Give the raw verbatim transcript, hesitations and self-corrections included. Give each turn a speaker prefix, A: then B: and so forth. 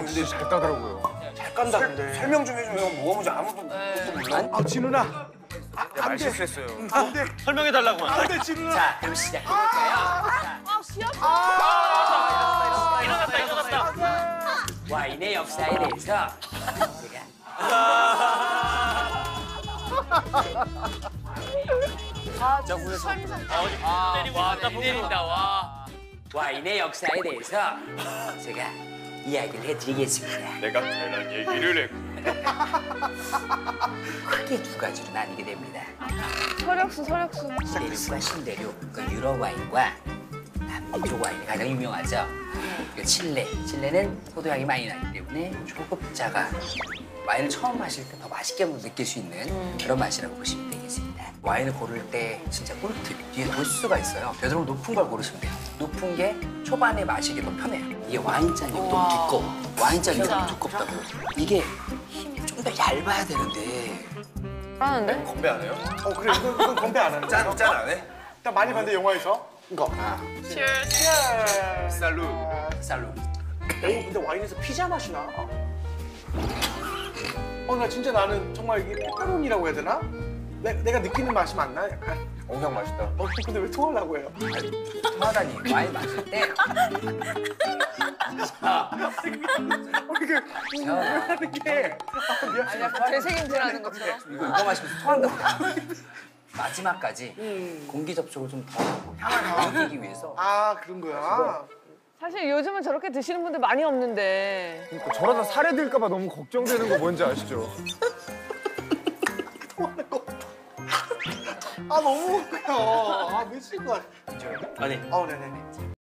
A: 근데 잘 따더라고요.
B: 잘 깐다 근데. 설명 좀 해줘요. 뭐가 뭔지 아무도 몰라.
A: 아 진우나.
B: 말 실수했어요.
A: 안 돼.
C: 설명해달라고.
A: 안돼 진우나.
D: 자, 그럼 시작해볼까요?
E: 아, 귀엽다.
C: 아, 일어났다, 일어났다.
D: 와인의 역사에 대해서 제가
E: 아, 설명.
C: 아, 때리고 와, 나 때린다, 와.
D: 와인의 역사에 대해서 제가 이야기를 해드리겠습니다.
C: 내가 괜한 얘기를 했고.
D: 크게 두 가지로 나뉘게 됩니다.
E: 서력수, 서력수.
D: 내륙과 신대륙, 그러니까 유럽 와인과 남쪽 와인이 가장 유명하죠. 그러니까 칠레, 칠레는 포도향이 많이 나기 때문에 초급자가 와인을 처음 마실 때 더 맛있게 느낄 수 있는 그런 맛이라고 보시면 되겠습니다. 와인을 고를 때 진짜 꿀팁, 뒤에 도수가 있어요. 되도록 높은 걸 고르시면 돼요. 높은 게 초반에 마시기 더 편해요. 이게 와인잔이 너무 두꺼워. 와인잔이 너무 두껍다고. 이게 좀 더 얇아야 되는데
E: 하는데?
B: 건배 안 해요?
A: 어 그래 이건, 이건 건배 안 하는 거야.
B: 짠, 짠 안 해?
A: 일단 많이 봤는데 영화에서 이거.
D: 아,
B: 살루.
D: 쌀로.
A: 오 근데 와인에서 피자 맛이 나. 어 나 진짜 나는 정말 이게 페퍼로니라고 해야 되나? 내, 내가 느끼는 맛이 맞나 약간?
B: 엄청 맛있다.
A: 어 근데 왜 토하려고 해요?
D: 통하다니 와인 마실 때
A: 어 이게 하는 게 아, 미안.
E: 아니, 약간 되새김질하는 것처럼.
D: 이거 이거 마시면서 토한다고. 마지막까지 공기 접촉을 좀 더 향을 느끼기 위해서
A: 아 그런 거야.
E: 사실 요즘은 저렇게 드시는 분들 많이 없는데.
F: 그러니까 저러다 살해될까 봐 너무 걱정되는 거 뭔지 아시죠?
A: 토하는 거. 아 너무 웃겨. 아 미칠 것 같아.
C: 아니,
A: 어 네네네.